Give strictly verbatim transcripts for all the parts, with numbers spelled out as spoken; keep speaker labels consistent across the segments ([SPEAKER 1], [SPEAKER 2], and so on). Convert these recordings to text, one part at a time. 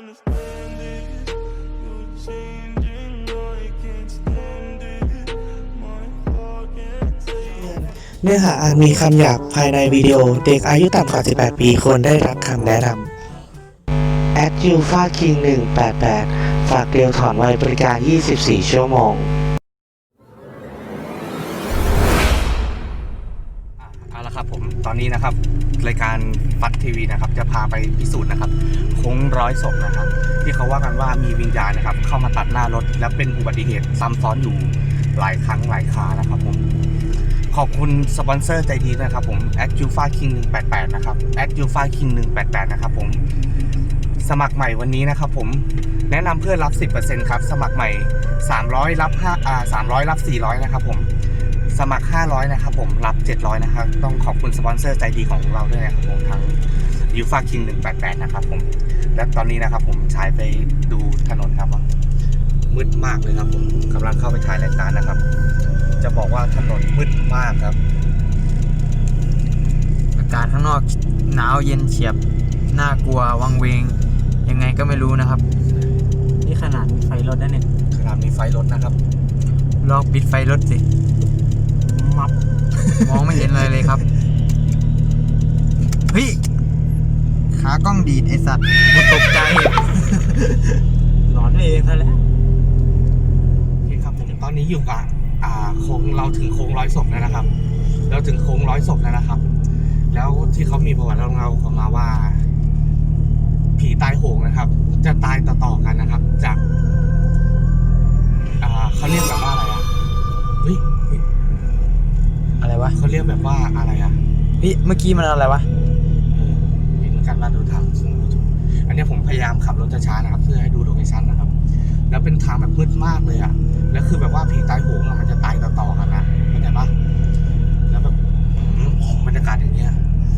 [SPEAKER 1] เนื้อหาอาจมีคำหยาบภายในวิดีโอเด็กอายุต่ำกว่าสิบแปดปีควรได้รับคำแนะนำ แอด ยู เอฟ เอ คิง หนึ่งแปดแปด ฝากเดียวถอนไวบริการ ยี่สิบสี่ ชั่วโมง
[SPEAKER 2] เอาละครับผมตอนนี้นะครับรายการฟัดทีวีนะครับจะพาไปพิสูจน์นะครับโค้งร้อยศพนะครับที่เขาว่ากันว่ามีวิญญาณนะครับเข้ามาตัดหน้ารถและเป็นอุบัติเหตุซ้ำซ้อนอยู่หลายครั้งหลายครานะครับผมขอบคุณสปอนเซอร์ใจดีนะครับผม แอด ยู เอฟ เอ คิง หนึ่งแปดแปด นะครับ แอด ยู เอฟ เอ คิง หนึ่งแปดแปด นะครับผมสมัครใหม่วันนี้นะครับผมแนะนำเพื่อนรับ สิบเปอร์เซ็นต์ ครับสมัครใหม่สามร้อยรับห้าอ่าสามร้อยรับสี่ร้อยนะครับผมสมัครห้าร้อยนะครับผมรับเจ็ดร้อยนะครับต้องขอบคุณสปอนเซอร์ใจดีของเราด้วยนะครับผมทั้ง ยู เอฟ เอ คิง หนึ่งแปดแปด นะครับผมและตอนนี้นะครับผมฉายไปดูถนนครับมืดมากเลยครับผมกำลังเข้าไปถ่ายรายการนะครับจะบอกว่าถนนมืดมากครับ
[SPEAKER 3] อากาศข้างนอกหนาวเย็นเฉียบน่ากลัววังเวงยังไงก็ไม่รู้นะครับนี่ขนาดมีไฟรถนะเนี่ย
[SPEAKER 2] ขนาดมีไฟรถนะครับ
[SPEAKER 3] ลองปิดไฟรถสิมับ มองไม่เห็นอะไรเลยครับเฮ้ยขากล้องดีดไอสัตว์กูตกใจ หลอนเองซะแล้ว
[SPEAKER 2] โอเคครับผมตอนนี้อยู่กับอ่าโค้งเราถึงโค้งร้อยศพแล้วนะครับเราถึงโค้งร้อยศพแล้วนะครับแล้วที่เขามีประวัติเล่าเขามาว่าผีตายโหงนะครับจะตายต่อๆกันนะครับจากอ่าเขาเรียกแบบว่าอะไรอ่ะเฮ้ย
[SPEAKER 3] อะไรวะ
[SPEAKER 2] เขาเรียกแบบว่าอะไรอ่ะ
[SPEAKER 3] เฮ้ยเมื่อกี้มันอะไรวะ
[SPEAKER 2] เออเป็นการมาดูทางซึ่งอันนี้ผมพยายามขับรถช้าๆนะครับเพื่อให้ดูโลเคชั่นนะครับแล้วเป็นทางแบบมืดมากเลยอ่ะแล้วคือแบบว่าผีตายโหงมันจะตายต่อๆกันนะเข้าใจปะแล้วแบบบรรยากาศอย่างเงี้ย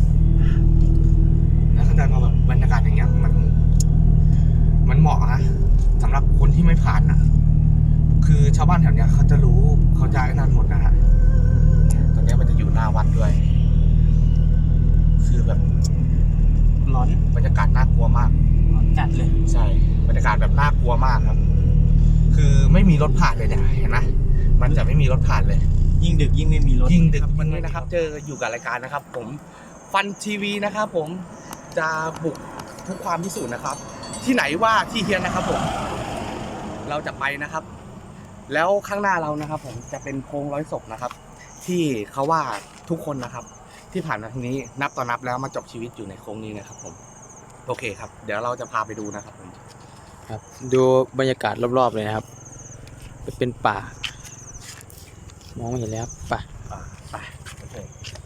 [SPEAKER 2] แล้วเข้าใจมาแบบบรรยากาศอย่างเงี้ยมันมันเหมาะนะสำหรับคนที่ไม่ผ่านนะคือชาวบ้านแถวเนี้ยเขาจะรู้เขาจะไอ้นั่นหมดนะฮะตรงนี้มันจะอยู่หน้าวัดด้วยคือแบบ
[SPEAKER 3] ร้อน
[SPEAKER 2] บรรยากาศน่ากลัวมาก
[SPEAKER 3] ร้อนจัดเลย
[SPEAKER 2] ใช่บรรยากาศแบบน่ากลัวมากครับคือไม่มีรถผ่านเลยเนี่ยเห็นไหมมันจะไม่มีรถผ่านเลย
[SPEAKER 3] ยิ่งดึกยิ่งไม่มีรถ
[SPEAKER 2] ยิ่งดึกวันนี้นะครับเจออยู่กับรายการนะครับผมฟันทีวีนะครับผมจะบุกทุกความพิสูจน์นะครับที่ไหนว่าที่เฮียนนะครับผมเราจะไปนะครับแล้วข้างหน้าเรานะครับผมจะเป็นโค้งร้อยศพนะครับที่เขาว่าทุกคนนะครับที่ผ่านมาทางนี้นับต่อนับแล้วมาจบชีวิตอยู่ในโค้งนี้นะครับผมโอเคครับเดี๋ยวเราจะพาไปดูนะครับผม
[SPEAKER 3] ครับดูบรรยากาศรอบๆเลยนะครับเป็นป่ามองไม่เห็นเลยครับป่า
[SPEAKER 2] ไปโอเค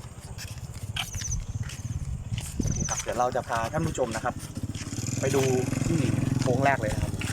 [SPEAKER 2] ครับเดี๋ยวเราจะพาท่านผู้ชมนะครับไปดูที่โค้งแรกเลยนะครับ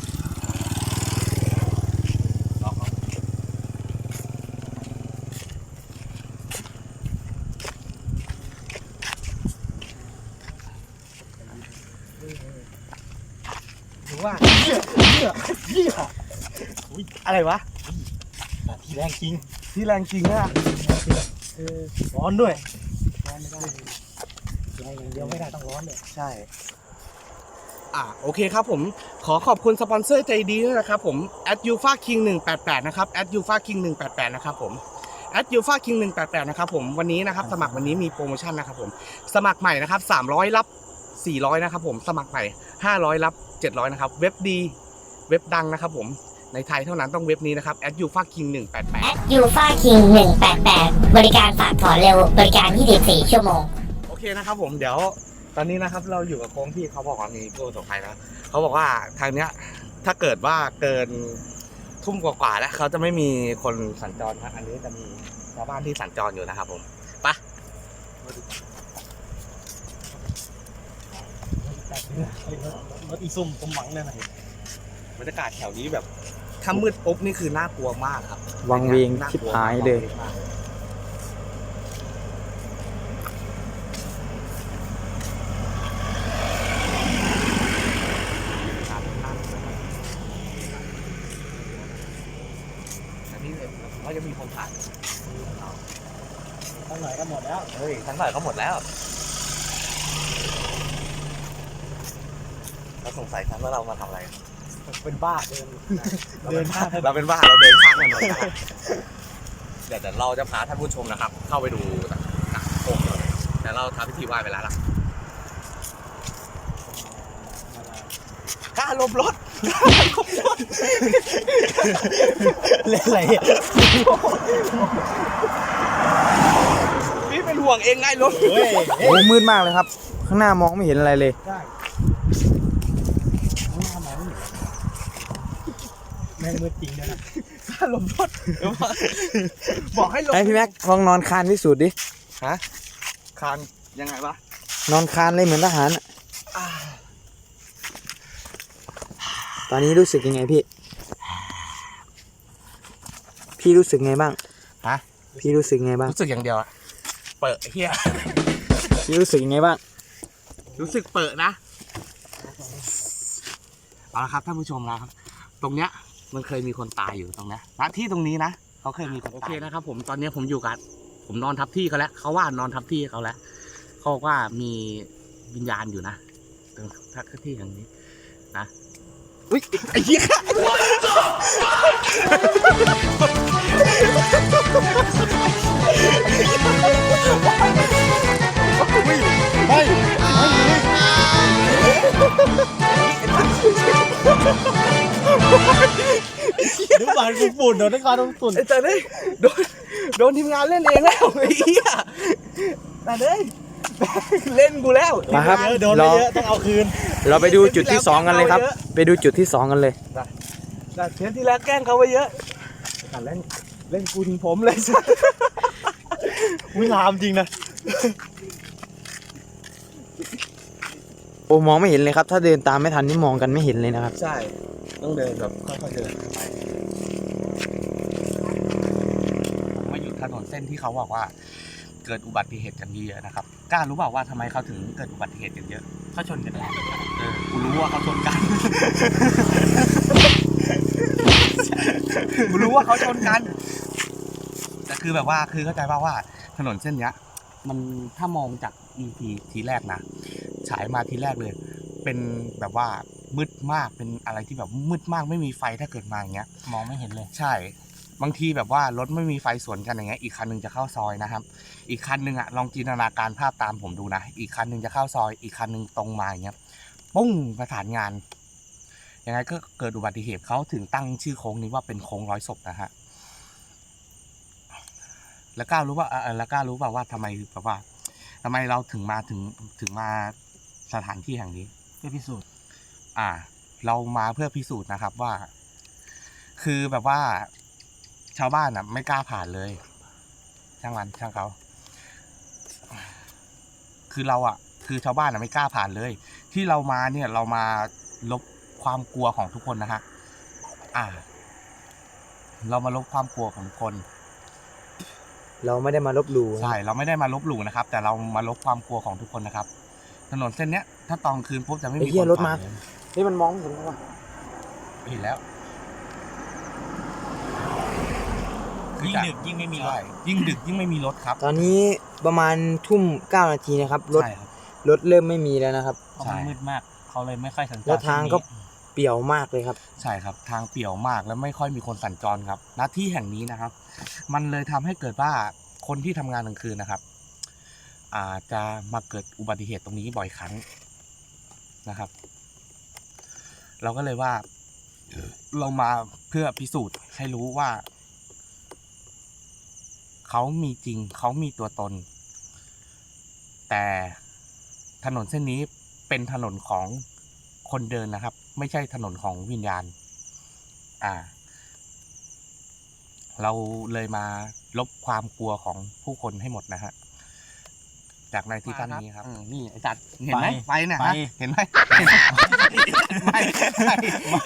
[SPEAKER 2] ถือว่าเหี้ยเหี้ยเหี้ยอะไรวะ
[SPEAKER 3] ที่แรงจริง
[SPEAKER 2] ที่แรงจริงอะ
[SPEAKER 3] เออร้อนด้วยร้อนไม่ได้แรงอย่างเดียวไม่ได้ต้องร้อนเลย
[SPEAKER 2] ใช่อ่าโอเคครับผมขอขอบคุณสปอนเซอร์ใจดีด้วยนะครับผม แอด ยู เอฟ เอ คิง หนึ่งแปดแปด นะครับ แอด ยู เอฟ เอ คิง หนึ่งแปดแปด นะครับผม แอด ยู เอฟ เอ คิง หนึ่งแปดแปด นะครับผมวันนี้นะครับสมัครวันนี้มีโปรโมชั่นนะครับผมสมัครใหม่นะครับสามร้อยรับสี่ร้อยนะครับผมสมัครใหม่ห้าร้อยรับเจ็ดร้อยนะครับเว็บดีเว็บดังนะครับผมในไทยเท่านั้นต้องเว็บนี้นะครับ แอด ยู เอฟ เอ คิง หนึ่งแปดแปด
[SPEAKER 4] แอด ยู เอฟ เอ คิง หนึ่งแปดแปด บริการฝากถอนเร็วบริการยี่สิบสี่ชั่วโมง
[SPEAKER 2] โอเคนะครับผมเดี๋ยวตอนนี้นะครับเราอยู่กับโค้งที่เขาบอกว่ามีผู้ประสบภัยนะเขาบอกว่าทางเนี้ยถ้าเกิดว่าเกินทุ่มกว่าๆแล้วเขาจะไม่มีคนสัญจรครับอันนี้จะมีชาวบ้านที่สัญจรอยู่นะครับผมไป
[SPEAKER 3] รถอีซุ่มผมหวังเลยนะ
[SPEAKER 2] บรรยากาศแถวนี้แบบถ้ามืดปุ๊บนี่คือน่ากลัวมากครับ
[SPEAKER 3] วังเวงชิบหายเลย
[SPEAKER 2] เขาจะมีคนผ่าน
[SPEAKER 3] ทั้งหน่อยก็หมดแล้ว
[SPEAKER 2] เฮ้ยทั้งหน่อยก็หมดแล้วเราสงสัยกันว่าเรามาทำอะไร
[SPEAKER 3] เป็นบ้าเดินเดินข้าม
[SPEAKER 2] เราเป็นบ้าเราเดินข้ามถนนนะครับเดี๋ยวเดี๋ยวเราจะพาท่านผู้ชมนะครับ เข้าไปดูกลางโค้งเลยแต่เราทำพิธีไหว้ไปแล้วล่ะกล้าลบรถ
[SPEAKER 3] เล่นอะไร
[SPEAKER 2] พี่เป็นห่วงเองไงรถ
[SPEAKER 3] โอ้มืดมากเลยครับ ข้างหน้ามองไม่เห็นอะไรเลย
[SPEAKER 5] แม่งมืดจริงนะ
[SPEAKER 2] กล้าลบรถบอกให้ลบ
[SPEAKER 3] ไอพี่แม็กลองนอนคานพิสูจน์ดิ
[SPEAKER 2] ฮะคานยังไงวะ
[SPEAKER 3] นอนคานเลยเหมือนทหารอะตอนนี้รู้สึกยังไงพี่ พี่รู้สึกไงบ้าง
[SPEAKER 2] ฮะ
[SPEAKER 3] พี่รู้สึกไงบ้าง
[SPEAKER 2] รู้สึกอย่างเดียวอะเปิดไอ้เฮีย
[SPEAKER 3] พี่รู้สึกยังไงบ้าง
[SPEAKER 2] รู้สึกเปิดนะเอาละครับท่านผู้ชมนะครับ ตรงเนี้ยมันเคยมีคนตายอยู่ตรงเนี้ยณที่ตรงนี้นะเขาเคยมีคนตายโอเคนะครับผมตอนนี้ผมอยู่กับผมนอนทับที่เขาแล้วเขาว่านอนทับที่เขาแล้วเขาบอกว่ามีวิญญาณอยู่นะตรงทับที่อย่างนี้นะอุ้ยไอ้เหี้ยไม่
[SPEAKER 5] ดูบานกูฝุ่นโดนนักการต้องฝุ่น
[SPEAKER 2] ไอ้แต่เนี่ยโดนโดนทีมงานเล่นเองแล้วไอ้เหี้ยแต่เนี่ยเล่นกูแล้ว
[SPEAKER 3] มาครับ
[SPEAKER 5] โดนไม่เยอะต้องเอาคืน
[SPEAKER 3] เราไปดูจุดที่สองกันเลยครับ ไปดูจุดที่สองกันเลย
[SPEAKER 2] แต่เทปที่แล้วแกล้งเขาไปเยอะแต่เล่นเล่นกูถึงผมเลยสัส
[SPEAKER 5] วิลามจริงนะ
[SPEAKER 3] โอ้มองไม่เห็นเลยครับ ถ้าเดินตามไม่ทันนี่มองกันไม่เห็นเลยนะครับ
[SPEAKER 2] ใช่ต้องเดินแบบค่อยๆเดินไปผมมาอยู่ถนนเส้นที่เขาบอกว่า เกิดอุบัติเหตุกันเยอะนะครับกล้ารู้เปล่าว่าทำไมเขาถึงเกิดอุบัติเหตุกันเยอะเขาชนกันเองเออกูรู้ว่าเขาชนกัน กูรู้ว่าเขาชนกันแต่คือแบบว่าคือเข้าใจป่าว่าถนนเส้นเนี้ย มันถ้ามองจาก อี พี ทีแรกนะฉายมาทีแรกเลย เป็นแบบว่ามืดมากเป็นอะไรที่แบบมืดมากไม่มีไฟถ้าเกิดมาอย่างเงี้ย
[SPEAKER 5] มองไม่เห็นเลย
[SPEAKER 2] ใช่บางทีแบบว่ารถไม่มีไฟสวนกันอย่างเงี้ยอีกคันหนึงจะเข้าซอยนะครับ อีกคันหนึงอะลองจินตนาการภาพตามผมดูนะอีกคันหนึงจะเข้าซอย อีกคันหนึงตรงมาอย่างเงี้ยปุ้งประสานงานยังไงก็เกิดอุบัติเหตุเขาถึงตั้งชื่อโค้งนี้ว่าเป็นโค้งร้อยศพนะฮะแล้วก้าวรู้ว่าเออแล้วก้าวรู้เปล่าว่าทำไมแบบว่าทำไมเราถึงมาถึงถึงมาสถานที่แห่งนี้
[SPEAKER 5] เพื่อพิสูจน์
[SPEAKER 2] อ่า เรามาเพื่อพิสูจน์นะครับว่า คือแบบว่าชาวบ้านอ่ะ ไม่กล้าผ่านเลย ช่างมันช่างเขาคือเราอ่ะ คือชาวบ้านอ่ะไม่กล้าผ่านเลย ที่เรามาเนี่ยเรามาลบความกลัวของทุกคนนะฮะอ่า เรามาลบความกลัวของทุกคน
[SPEAKER 3] เราไม่ได้มาลบหลู่
[SPEAKER 2] ใช่เราไม่ได้มาลบหลู่นะครับ แต่เรามาลบความกลัวของทุกคนนะครับ ถนนเส้นเนี้ย ถ้าตอนคืนปุ๊บจะไม่มี
[SPEAKER 3] ไอ้เหี้ย
[SPEAKER 2] คน
[SPEAKER 3] รถมา
[SPEAKER 2] ผ่นเลย
[SPEAKER 3] นี่มันมองไม่เห็นแล้วว่ะ
[SPEAKER 2] เห็นแล้ว
[SPEAKER 5] ยิ่งดึกยิ่งไม่มีรถ
[SPEAKER 2] ใช่ยิ่งดึกยิ่งไม่มีรถครับ
[SPEAKER 3] ตอนนี้ประมาณทุ่มเก้านาทีนะครับ รถ
[SPEAKER 2] ใช่ครับ
[SPEAKER 3] รถเริ่มไม่มีแล้วนะครับ
[SPEAKER 5] เพราะมันมืดมากเขาเลยไม่ค่อยสัญจร
[SPEAKER 3] แล้วทางก็เปี่ยวมากเลยครับ
[SPEAKER 2] ใช่ครับ ทางเปี่ยวมากแล้วไม่ค่อยมีคนสัญจรครับณที่แห่งนี้นะครับ มันเลยทำให้เกิดว่าคนที่ทำงานกลางคืนนะครับ อาจจะมาเกิดอุบัติเหตุตรงนี้บ่อยครั้งนะครับ เราก็เลยว่า เรามาเพื่อพิสูจน์ให้รู้ว่า เขามีจริงเขามีตัวตน แต่ถนนเส้นนี้เป็นถนนของคนเดินนะครับ ไม่ใช่ถนนของวิญญาณ อ่า เราเลยมาลบความกลัวของผู้คนให้หมดนะฮะจากในที่ตั้งนี้ครับอืมนี่ไอ้จัดเห็นไหมไฟเนี่ยฮะเห็นไหมไม่ไม่ไม่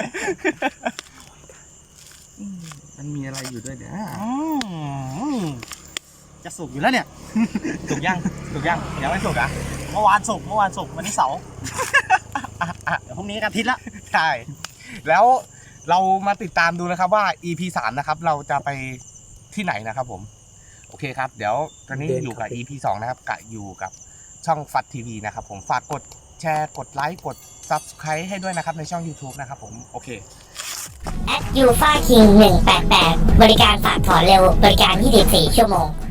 [SPEAKER 2] มันมีอะไรอยู่ด้วยเนี่ย
[SPEAKER 5] อืมจะสุกอยู่แล้วเนี่ย
[SPEAKER 2] สุกยังสุกยังยังไม่สุกอ่ะ
[SPEAKER 5] เมื่อวานสุกเมื่อวานสุกวันนี้เสาร์เดี๋ยวพรุ่งนี้กันอาทิตย์ละ
[SPEAKER 2] ใช่แล้วเรามาติดตามดูนะครับว่า อี พี สามนะครับ เราจะไปที่ไหนนะครับผม โอเคครับ เดี๋ยวตอนนี้
[SPEAKER 3] เดิน
[SPEAKER 2] อยู่กับ
[SPEAKER 3] เข้าไป
[SPEAKER 2] อี พี สองนะครับกะอยู่กับช่องฟัดทีวีนะครับผมฝากกดแชร์กดไลค์กด Subscribe ให้ด้วยนะครับในช่อง YouTube นะครับผมโอเค
[SPEAKER 4] แอดยูฟาคิงหนึ่งแปดแปดบริการฝากถอนเร็วบริการยี่สิบสี่ชั่วโมง